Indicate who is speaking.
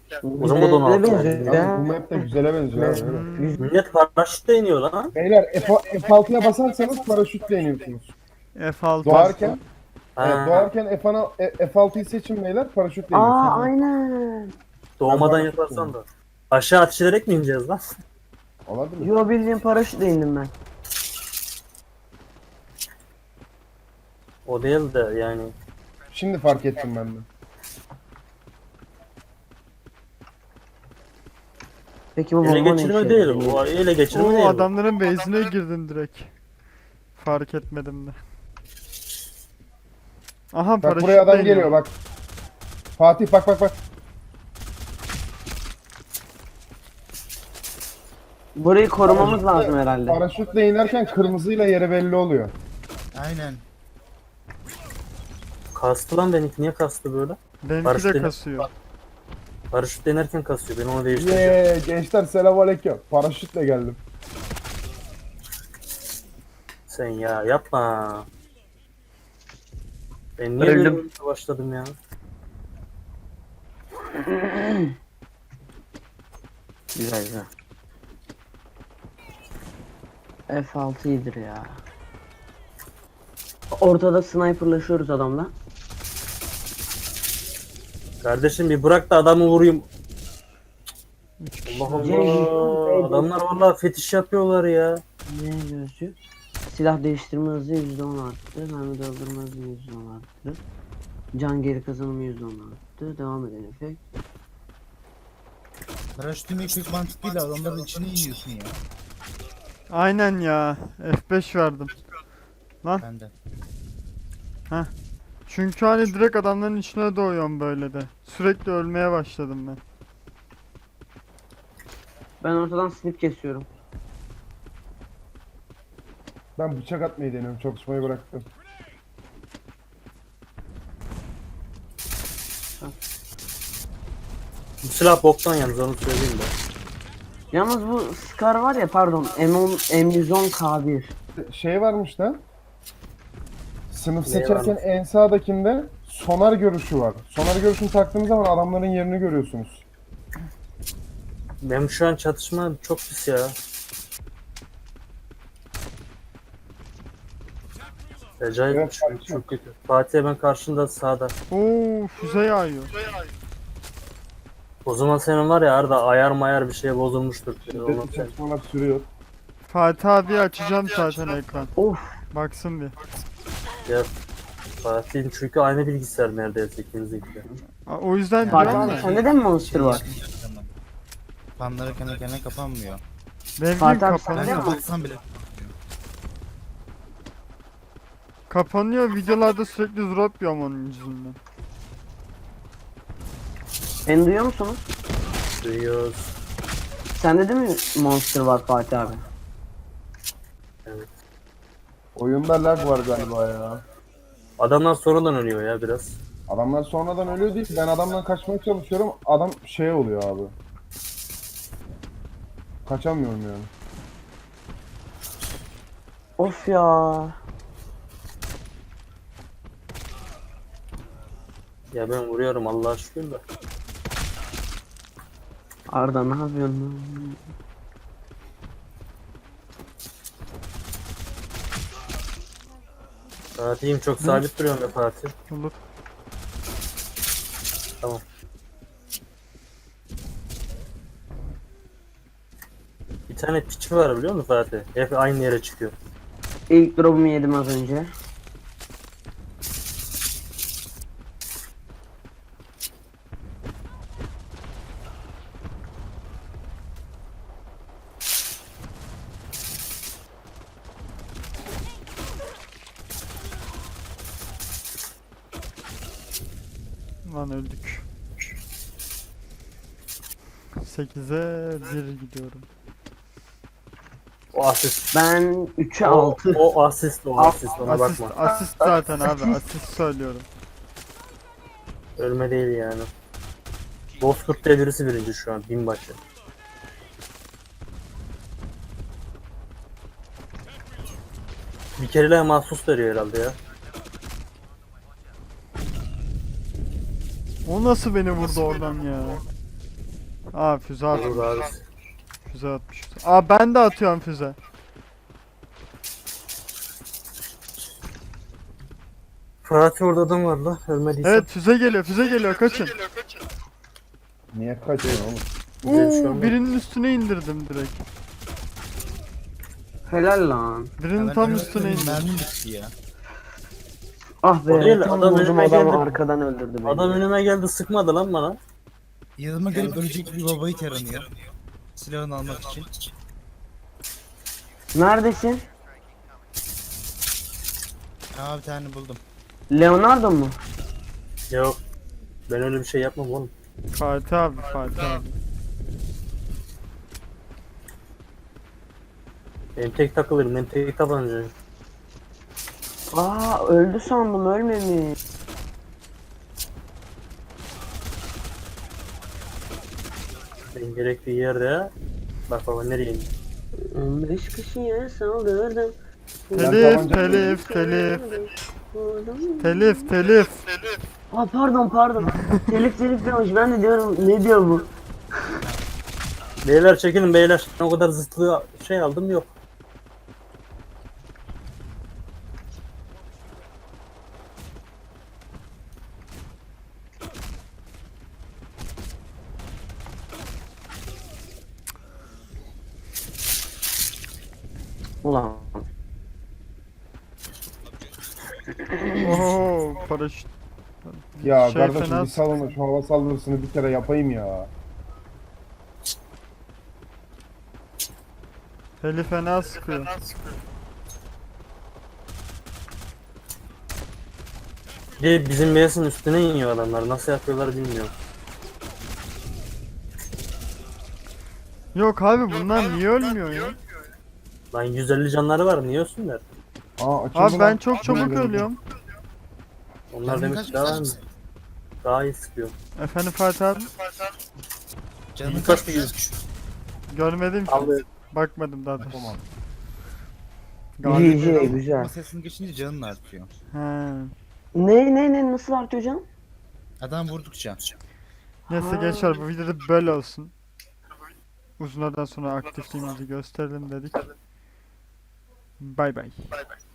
Speaker 1: O zaman o da 16 oldu.
Speaker 2: Abi bu map de güzele benziyor abi. Öyle.
Speaker 1: Millet paraşütle iniyor lan.
Speaker 2: Beyler F6'ya basarsanız paraşütle iniyorsunuz.
Speaker 3: F6.
Speaker 2: Doğarken evet,
Speaker 1: Ha,
Speaker 2: doğarken F6'yı seçin beyler, paraşütle
Speaker 4: Aa
Speaker 2: iniyorsunuz.
Speaker 4: aynen.
Speaker 1: doğmadan
Speaker 2: Ben
Speaker 1: yaparsan da. Aşağı ateş ederek mi ineceğiz lan?
Speaker 2: Olabilir.
Speaker 4: Yo bildiğin paraşütle indim ben.
Speaker 1: O değil de yani.
Speaker 2: Şimdi fark ettim ben de.
Speaker 4: Peki bu
Speaker 1: Ele
Speaker 4: bomba ne
Speaker 1: geçirme
Speaker 4: işe
Speaker 1: değil.
Speaker 4: yarıyor?
Speaker 1: O ele geçirme değil.
Speaker 3: Oo
Speaker 1: bu.
Speaker 3: adamların base'ine girdin direkt. Fark etmedim de. Aha
Speaker 2: Bak
Speaker 3: paraşütle
Speaker 2: buraya adam
Speaker 3: iniyor.
Speaker 2: geliyor bak. Fatih bak.
Speaker 4: Burayı korumamız lazım herhalde.
Speaker 2: Paraşütle inerken kırmızıyla yeri belli oluyor.
Speaker 5: Aynen.
Speaker 1: Kastı lan benimki. Niye kastı böyle?
Speaker 3: Benimki de
Speaker 1: Paraşütle-
Speaker 3: kasıyor.
Speaker 1: Paraşütle inerken kasıyor. Ben onu değiştireceğim.
Speaker 2: Gençler selamünaleyküm. Paraşütle geldim.
Speaker 1: Sen ya yapma. Ben niye
Speaker 4: Öldüm.
Speaker 1: böyle başladım ya?
Speaker 4: Güzel güzel. F6 iyidir ya. Ortada sniperlaşıyoruz adamla.
Speaker 1: Kardeşim bir bırak da adamı vurayım.
Speaker 3: 3 kişi.
Speaker 1: Allah Allah. Adamlar vallahi fetiş yapıyorlar ya.
Speaker 4: Ne gözcü? Silah değiştirme hızı %10 arttı. Mermi doldurma hızı %10 arttı. Can geri kazanımı %10 arttı. Devam eden efekt.
Speaker 5: Paraşüt inmek pek mantıklı değil. Adamların içine iniyorsun ya.
Speaker 3: Aynen ya. F5 verdim.
Speaker 5: Ben de.
Speaker 3: Çünkü hani direkt adamların içine doğuyorum böyle de. Sürekli ölmeye başladım ben.
Speaker 4: Ben ortadan snip kesiyorum.
Speaker 2: Ben bıçak atmayı deniyorum. Çalışmayı bıraktım.
Speaker 1: Bu silah boktan yalnız onu söyleyeyim de.
Speaker 4: Yalnız bu Scar var ya pardon M10 M110K1.
Speaker 2: Şey varmış da. Sınıf
Speaker 1: Ne
Speaker 2: seçerken
Speaker 1: varmış?
Speaker 2: en sağdakinde sonar görüşü var. Sonar görüşünü taktığınız zaman adamların yerini görüyorsunuz.
Speaker 1: Benim şu an çatışma çok pis ya. Acayip
Speaker 2: Evet,
Speaker 1: çok kötü. Fatih hemen karşında sağda.
Speaker 3: Oo füze yağıyor.
Speaker 1: O zaman senin var ya Arda ayar mayar bir şey bozulmuştur. Ondan
Speaker 2: Şiddetli
Speaker 1: sen-
Speaker 2: çatışmalar sürüyor.
Speaker 3: Fatih abi açacağım zaten ekran.
Speaker 4: Of.
Speaker 3: Baksın bir.
Speaker 1: Ya Fatih'in çünkü aynı bilgisayar neredeyse ikinizinki de.
Speaker 3: O yüzden
Speaker 4: Fatih
Speaker 3: diyorum
Speaker 4: abi
Speaker 3: ya.
Speaker 4: sende de mi monster var?
Speaker 5: Tamam. Fanları kendi kendine kapanmıyor.
Speaker 3: Benimki
Speaker 4: Fatih abi
Speaker 5: Ben
Speaker 4: sende
Speaker 3: kapanıyor.
Speaker 4: mi?
Speaker 5: kapatsam bile.
Speaker 3: Kapanıyor videolarda sürekli drop yiyorum onun yüzünden.
Speaker 4: Beni duyuyor musunuz?
Speaker 1: Duyuyoruz.
Speaker 4: Sende de mi monster var Fatih abi?
Speaker 2: Oyunda lag var galiba ya.
Speaker 1: Adamlar sonradan ölüyor ya biraz.
Speaker 2: Adamlar sonradan ölüyor değil. Ben adamdan kaçmaya çalışıyorum. Adam şey oluyor abi. Kaçamıyorum yani.
Speaker 4: Of ya.
Speaker 1: Ya ben vuruyorum Allah'a şükür de.
Speaker 4: Arda ne yapıyorsun lan?
Speaker 1: Fatih'im çok sabit duruyorum ya Fatih.
Speaker 3: Olur.
Speaker 1: Tamam. Bir tane piçi var biliyor musun Fatih? Hep aynı yere çıkıyor.
Speaker 4: İlk drop'umu yedim az önce.
Speaker 3: Lan öldük. 8'e 1 gidiyorum.
Speaker 1: O asist.
Speaker 4: Ben 3'e
Speaker 1: O,
Speaker 4: 6.
Speaker 1: o asist o asist ona
Speaker 3: Asist,
Speaker 1: bakma.
Speaker 3: asist zaten abi asist söylüyorum.
Speaker 1: Ölme değil yani. Bozkurt diye birisi birinci şu an binbaşı. Bir kereler mahsus veriyor herhalde ya.
Speaker 3: O nasıl beni vurdu oradan ya? Aa füze
Speaker 1: Olur
Speaker 3: atmış.
Speaker 1: abi.
Speaker 3: Füze atmış. Aa ben de atıyorum füze.
Speaker 1: Fatih orada adam var la. Ölmediyse.
Speaker 3: Evet füze geliyor kaçın.
Speaker 2: Niye kaçıyorsun oğlum?
Speaker 1: Güzel bir şey olmadı.
Speaker 3: Birinin üstüne indirdim direkt.
Speaker 4: Helal lan.
Speaker 3: Birinin
Speaker 5: Ben
Speaker 3: tam
Speaker 5: önüme
Speaker 3: üstüne
Speaker 5: kırdım,
Speaker 3: indirdim.
Speaker 5: mermim bitti ya.
Speaker 4: Ah be.
Speaker 1: O değil,
Speaker 4: tam
Speaker 1: adam
Speaker 4: vurdum,
Speaker 1: önüme
Speaker 4: adam
Speaker 1: geldi.
Speaker 4: arkadan öldürdü beni.
Speaker 1: Adam önüme geldi sıkmadı lan bana.
Speaker 5: Yanıma gelip ölecek bir babayı taranıyor. Silahını almak için.
Speaker 4: Neredesin?
Speaker 5: Aa bir tane buldum.
Speaker 4: Leonardo mu?
Speaker 1: Yok. Ben öyle bir şey yapmam oğlum.
Speaker 3: Fatih abi Fatih abi.
Speaker 1: Ben tek takılırım. Ben tek tabancayım.
Speaker 4: Aa öldü sandım, ölmemiş.
Speaker 1: Ben gerektiği yerde. Bak baba nereye indi?
Speaker 4: 15 kişiye saldırdım.
Speaker 3: Telif telif telif.
Speaker 4: Aa pardon. telif demiş, ben de diyorum ne diyor bu?
Speaker 1: Beyler çekilin beyler. O kadar zıtlı şey aldım yok.
Speaker 4: Ulan.
Speaker 3: Oho paraşüt.
Speaker 2: Ya
Speaker 3: Şey
Speaker 2: kardeşim
Speaker 3: fena
Speaker 2: bir salın da şu hava saldırısını bir kere yapayım ya.
Speaker 3: Heli fena sıkıyor.
Speaker 1: Bir de bizim base'in üstüne iniyor adamlar. Nasıl yapıyorlar bilmiyorum.
Speaker 3: Yok abi bunlar niye ölmüyor ya?
Speaker 1: Lan 150 canları var niye ölsünler?
Speaker 2: Aa açıldı
Speaker 3: Abi ben
Speaker 2: lan.
Speaker 3: çok çabuk ölüyorum.
Speaker 1: Onlar
Speaker 5: Canın
Speaker 1: demek
Speaker 5: kaç
Speaker 1: ki daha,
Speaker 5: güzel.
Speaker 1: daha iyi sıkıyor.
Speaker 3: Efendim Fatih abi?
Speaker 5: Canın
Speaker 1: İlk
Speaker 5: kaç
Speaker 1: başta
Speaker 5: güzel.
Speaker 3: Görmedim ki.
Speaker 1: Aldı.
Speaker 3: Bakmadım daha doğrusu.
Speaker 2: Tamam.
Speaker 3: Galiba.
Speaker 4: GG güzel.
Speaker 5: Ama sesini geçince canın artıyor.
Speaker 3: He.
Speaker 4: Ne nasıl artıyor canım?
Speaker 5: Adam vurdukça.
Speaker 3: Neyse gençler bu videoda böyle olsun. Uzunlardan sonra aktifliğimizi gösterelim dedik. Bay bay.